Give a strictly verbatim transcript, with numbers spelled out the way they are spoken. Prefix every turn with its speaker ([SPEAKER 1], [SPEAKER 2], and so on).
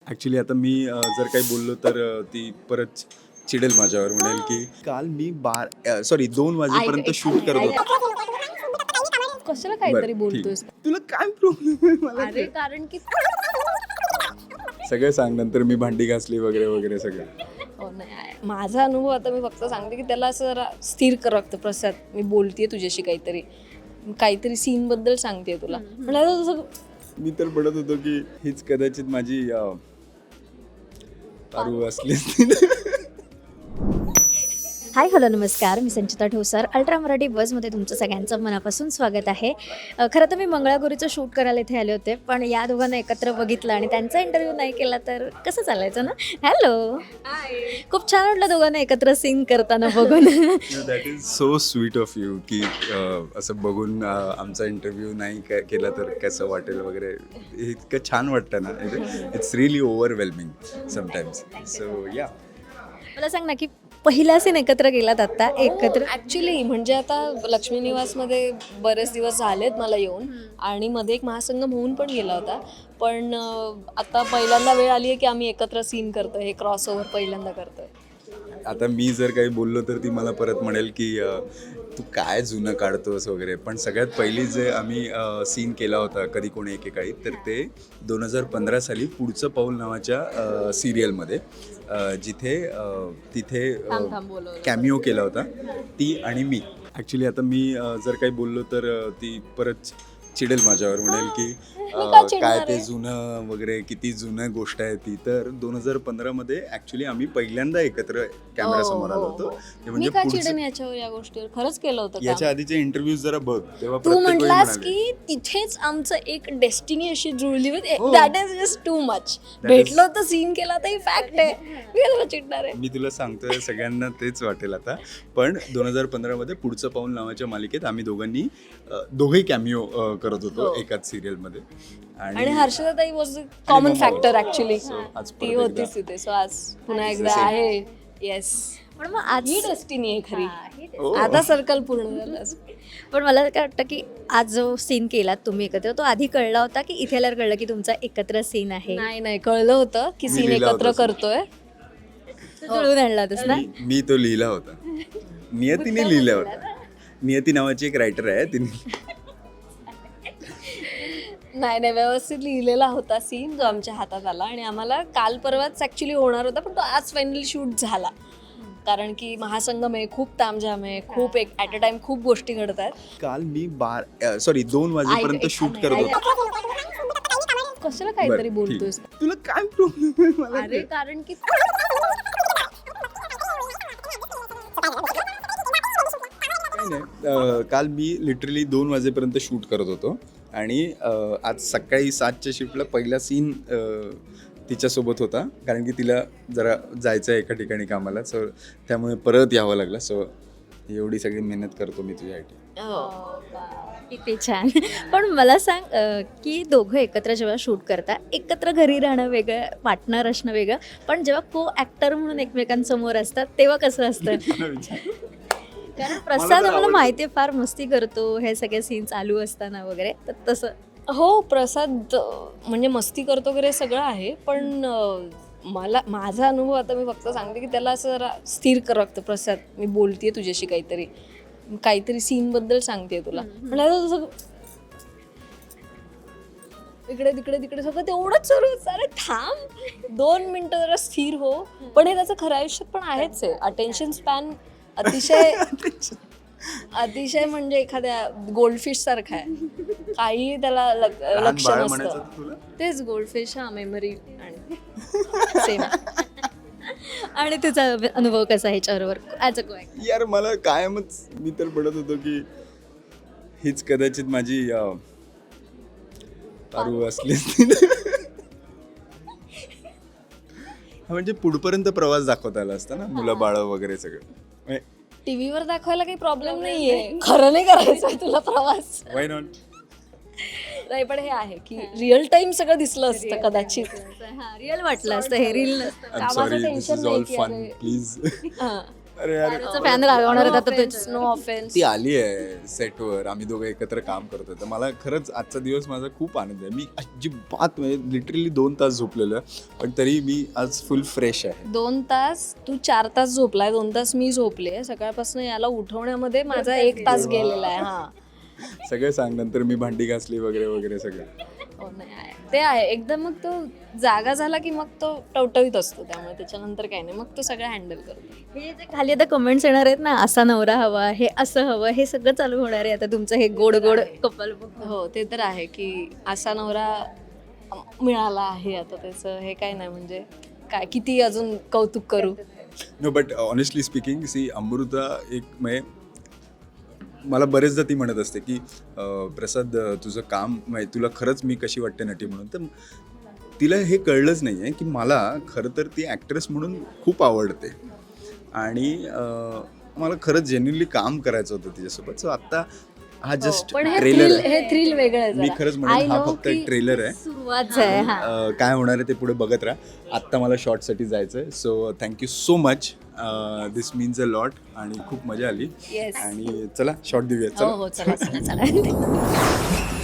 [SPEAKER 1] Actually आता मी अ, जर काही बोललो तर अ, ती परत चिडेल माझ्यावर, म्हणेल की काल मी बार सॉरी दोन वाजेपर्यंत शूट करत होतो.
[SPEAKER 2] कशाला
[SPEAKER 1] बरं,
[SPEAKER 2] काहीतरी
[SPEAKER 1] ठीक.
[SPEAKER 2] बोलतोस.
[SPEAKER 1] तुला काय प्रॉब्लेम आहे मला
[SPEAKER 2] अरे
[SPEAKER 1] ते-
[SPEAKER 2] कारण की
[SPEAKER 1] सगळं सांग, नंतर मी भांडी घासली वगैरे वगैरे सगळं.
[SPEAKER 2] हो नाही आहे. माझा अनुभव आता मी फक्त सांगते की त्याला असं जरा स्थिर कर लागतं. प्रसाद मी बोलतेय तुझ्याशी काहीतरी काहीतरी सीन बद्दल सांगते तुला म्हणाला तसं
[SPEAKER 1] मी तर पडत होतो की हीच कदाचित माझी अ, पारू असली असती.
[SPEAKER 3] हाय हॅलो नमस्कार, मी संचिता ठोसर. अल्ट्रा मराठी बसमध्ये तुमचं सगळ्यांचं मनापासून स्वागत आहे. अ, खरं तर मी मंगळागौरीचं शूट करायला इथे आले होते, पण या दोघांना एकत्र बघितलं आणि त्यांचा इंटरव्ह्यू नाही केला तर कसं चालायचं ना. हॅलो, खूप छान वाटलं दोघांना एकत्र सीन करताना बघून.
[SPEAKER 1] That is so sweet of you की अ, असं बघून अ, आमचा इंटरव्ह्यू नाही के- केला तर कसं वाटेल वगैरे. हे इतकं छान वाटतं ना. It's really overwhelming sometimes. So या
[SPEAKER 3] मला सांग ना की पहिला सीन एकत्र गेलात आता एकत्र.
[SPEAKER 2] ॲक्च्युली म्हणजे आता लक्ष्मी निवासमध्ये बरेच दिवस झालेत मला येऊन आणि मध्ये एक महासंगम होऊन पण गेला होता. पण अं, आता पहिल्यांदा वेळ आली आहे की आम्ही एकत्र सीन करतोय. हे क्रॉस ओव्हर पहिल्यांदा करतोय.
[SPEAKER 1] आता मी जर काही बोललो तर ती मला परत म्हणेल की अ, तू काय जुनं काढतोस वगैरे. पण सगळ्यात पहिली जे आम्ही सीन केला होता कधी कोणी एकेकाळी, तर ते दोन हजार पंधरा साली पुढचं पाऊल नावाच्या सिरियलमध्ये, जिथे अ, तिथे
[SPEAKER 2] थांब थांब बोलवलं.
[SPEAKER 1] कॅमिओ केला होता ती आणि मी. ॲक्च्युली आता मी अ, जर काही बोललो तर अ, ती परत चिडेल माझ्यावर, म्हणेल की अ,
[SPEAKER 2] का चिडणार
[SPEAKER 1] काय ते
[SPEAKER 2] आहे?
[SPEAKER 1] जुनं वगैरे, किती जुनं गोष्ट आहे ती. तर दोन हजार पंधरामध्ये ॲक्च्युली आम्ही पहिल्यांदा एकत्र कॅमेरासमोर आलो
[SPEAKER 2] हो,
[SPEAKER 1] होतो.
[SPEAKER 2] हो,
[SPEAKER 1] ते
[SPEAKER 2] हो.
[SPEAKER 1] म्हणजे
[SPEAKER 2] मी का
[SPEAKER 1] पुढचं-
[SPEAKER 2] चिडेन याच्यावर या गोष्टीवर खरंच केलं होतं
[SPEAKER 1] याच्या
[SPEAKER 2] काम.
[SPEAKER 1] आधीचे इंटरव्ह्यूज जरा बघ, तेव्हा
[SPEAKER 2] तू
[SPEAKER 1] प्रत्येक वेळी
[SPEAKER 2] म्हटलास
[SPEAKER 1] म्हणाले.
[SPEAKER 2] की तिथेच आमचं एक डेस्टिनी अशी जुळली होती.
[SPEAKER 1] हो.
[SPEAKER 2] That is just too much.
[SPEAKER 1] is-
[SPEAKER 2] भेटलो तर सीन केला तर फॅक्ट आहे. मी कशाला चिडणार आहे.
[SPEAKER 1] मी तुला सांगतोय, सगळ्यांना तेच वाटेल आता. पण दोन हजार पंधरामध्ये पुढचं पाऊल नावाच्या मालिकेत आम्ही दोघांनी अ, दोघेही कॅमिओ करत होतो
[SPEAKER 2] हो.
[SPEAKER 1] एकाच सिरियलमध्ये.
[SPEAKER 2] आणि हर्षदाताई was a common
[SPEAKER 1] mamma
[SPEAKER 2] factor
[SPEAKER 1] होती.
[SPEAKER 2] ऍक्च्युली.
[SPEAKER 1] So, आज परत
[SPEAKER 2] ती
[SPEAKER 1] एकदा-
[SPEAKER 2] होतीच तिथे. सो आज पुन्हा एकदा
[SPEAKER 1] same.
[SPEAKER 2] आहे. येस,
[SPEAKER 3] पण मग आज
[SPEAKER 2] ही डेस्टिनी आहे खरी.
[SPEAKER 1] हो.
[SPEAKER 2] आता सर्कल पूर्ण झालं.
[SPEAKER 3] पण मला काय वाटतं की आज जो सीन केलात तुम्ही एकत्र, तो आधी कळला होता की इथे आल्यावर कळलं की तुमचा एकत्र सीन आहे?
[SPEAKER 2] नाही नाही कळलं होतं की
[SPEAKER 1] मी
[SPEAKER 2] सीन
[SPEAKER 1] लिहिला
[SPEAKER 2] एकत्र
[SPEAKER 1] होता.
[SPEAKER 2] करतोय.
[SPEAKER 3] तो जुळवून आणला होतास ना.
[SPEAKER 1] मी मी तो लिहिला होता. नियतीने लिहिला होता. नियती नावाची एक रायटर आहे, तिने.
[SPEAKER 2] नाही नाही व्यवस्थित लिहिलेला होता सीन जो आमच्या हातात आला आणि आम्हाला काल परवाच ऍक्च्युली होणार होता, पण तो आज फायनली शूट झाला. कारण की महासंगम आहे, खूप तामझाम आहे, खूप एक ॲट अ टाइम खूप गोष्टी घडत आहेत.
[SPEAKER 1] काल मी बार सॉरी दोन वाजेपर्यंत
[SPEAKER 2] ऐक-
[SPEAKER 1] शूट
[SPEAKER 2] ऐक-
[SPEAKER 1] करत
[SPEAKER 2] ऐक-
[SPEAKER 1] होतो.
[SPEAKER 2] कशाला काहीतरी
[SPEAKER 1] बरं,
[SPEAKER 2] बोलतोस.
[SPEAKER 1] ठीक. तुला काय प्रॉब्लेम आहे मला
[SPEAKER 2] अरे
[SPEAKER 1] ते-
[SPEAKER 2] कारण की
[SPEAKER 1] काही नाही. अं, काल मी लिटरली दोन वाजेपर्यंत शूट करत होतो आणि अं, आज सकाळी सातच्या शिफ्टला पहिला सीन तिच्यासोबत होता, कारण की तिला जरा जायचं आहे एका ठिकाणी कामाला. सो त्यामुळे परत यावं लागलं. सो एवढी सगळी मेहनत करतो मी तुझ्यासाठी.
[SPEAKER 3] किती छान. पण मला सांग अ, की दोघं एकत्र जेव्हा शूट करता, एकत्र घरी राहणं वेगळं, पार्टनर असणं वेगळं, पण जेव्हा को ॲक्टर म्हणून एकमेकांसमोर असतात तेव्हा कसं असतं? कारण प्रसाद आम्हाला
[SPEAKER 1] आवडतं.
[SPEAKER 3] माहिती आहे फार मस्ती करतो हे सगळे सीन चालू असताना वगैरे, तर तसं
[SPEAKER 2] हो प्रसाद अं, म्हणजे मस्ती करतो वगैरे सगळं आहे, पण अं, मला माझा अनुभव आता मी फक्त सांगते की त्याला असं जरा स्थिर कर लागतं. प्रसाद मी बोलतेय तुझ्याशी काहीतरी काहीतरी सीन बद्दल सांगते तुला म्हणाला तसं इकडे तिकडे तिकडे सगळं तेवढंच सुरू होतं. अरे थांब दोन मिनिटं जरा स्थिर हो. पण हे त्याचं खऱ्या आयुष्यात पण आहेच आहे. अटेन्शन स्पॅन अतिशय अतिशय म्हणजे एखाद्या गोल्डफिश सारखा आहे. काही त्याला लक-
[SPEAKER 1] लहान
[SPEAKER 2] लक्ष
[SPEAKER 1] बाळ
[SPEAKER 2] नसतं.
[SPEAKER 1] म्हणायचं होतं तुला?
[SPEAKER 2] तेच गोल्डफिश हा मेमरी आणि सेम.
[SPEAKER 3] आणि तुझा अनुभव कसा ह्याच्याबरोबर ॲज अ को ॲक्टर?
[SPEAKER 1] यार मला कायमच मी तर पडत होतो की हीच कदाचित माझी अ, पारू असली असती. हा, म्हणजे पुढपर्यंत प्रवास दाखवता आला असता ना, मुलं बाळ वगैरे सगळं.
[SPEAKER 2] टीव्हीवर दाखवायला काही प्रॉब्लेम नाहीये. खरं नाही करायचं तुला प्रवास.
[SPEAKER 1] Why not?
[SPEAKER 2] नाही पण हे आहे की रिअल टाइम सगळं दिसलं असतं कदाचित.
[SPEAKER 3] हा रिअल वाटलं असतं, हे रील नसतं.
[SPEAKER 1] आय एम
[SPEAKER 2] कामाचं
[SPEAKER 1] सॉरी, दिस
[SPEAKER 2] tension
[SPEAKER 1] इज
[SPEAKER 2] नाही
[SPEAKER 1] ऑल
[SPEAKER 2] की
[SPEAKER 1] फन,
[SPEAKER 2] अरे-
[SPEAKER 1] प्लीज.
[SPEAKER 2] हा.
[SPEAKER 1] अरे यार
[SPEAKER 3] फॅन रागवणार आहेत आता तुझ्या.
[SPEAKER 2] No offence.
[SPEAKER 1] ती आली आहे सेटवर, आम्ही दोघं एकत्र काम करतोय, तर मला खरंच आजचा दिवस माझा खूप आनंद आहे. मी अजिबात म्हणजे लिटरली दोन तास झोपलेलो आहे, पण तरी मी आज फुल फ्रेश आहे.
[SPEAKER 2] दोन तास तू चार तास झोपलाय, दोन तास मी झोपले. सकाळपासून याला उठवण्यामध्ये माझा एक तास गेलेला आहे. हा
[SPEAKER 1] सगळं सांग, नंतर मी भांडी घासली वगैरे वगैरे सगळं.
[SPEAKER 2] हो, नाही आहे. ते आहे एकदम. मग तो जागा झाला की मग तो टवटवीत असतो, त्यामुळे त्याच्यानंतर काही नाही, मग तो सगळं हँडल करतो.
[SPEAKER 3] हे जे खाली आता कमेंट्स येणार आहेत ना, असा नवरा हवा, हे असं हवं, हे सगळं चालू होणार आहे आता तुमचं हे गोड गोड कपल.
[SPEAKER 2] हो, ते तर आहे की असा नवरा मिळाला आहे आता. त्याचं हे काय नाही, म्हणजे काय किती अजून कौतुक करू.
[SPEAKER 1] No but honestly speaking, see Amruta एक म्हणजे मला बरेचदा ती म्हणत असते की अं, प्रसाद अं, तुझं काम म्हणजे तुला खरंच मी कशी वाटते नटी म्हणून. तर तिला हे कळलंच नाही आहे की मला खरं तर ती ॲक्ट्रेस म्हणून खूप आवडते आणि अं, मला खरंच जेन्युनली काम करायचं होतं तिच्यासोबत. सो आत्ता हा जस्ट
[SPEAKER 2] पण हे
[SPEAKER 1] ट्रेलर
[SPEAKER 2] थ्रिल
[SPEAKER 1] आहे.
[SPEAKER 2] हे थ्रिल वेगळं आहे
[SPEAKER 1] मी
[SPEAKER 2] जरा.
[SPEAKER 1] खरंच
[SPEAKER 2] I
[SPEAKER 1] म्हणेन हा
[SPEAKER 2] know
[SPEAKER 1] फक्त
[SPEAKER 2] की
[SPEAKER 1] एक ट्रेलर आहे.
[SPEAKER 3] सुरुवात आहे. हा
[SPEAKER 1] अं, काय होणार आहे ते पुढे बघत राहा. आत्ता मला शॉर्टसाठी जायचं आहे. So thank you so much. This means a lot आणि खूप मजा आली.
[SPEAKER 2] Yes.
[SPEAKER 1] आणि चला शॉर्ट देऊया.
[SPEAKER 2] हो
[SPEAKER 1] चला
[SPEAKER 2] हो, चला चला चला.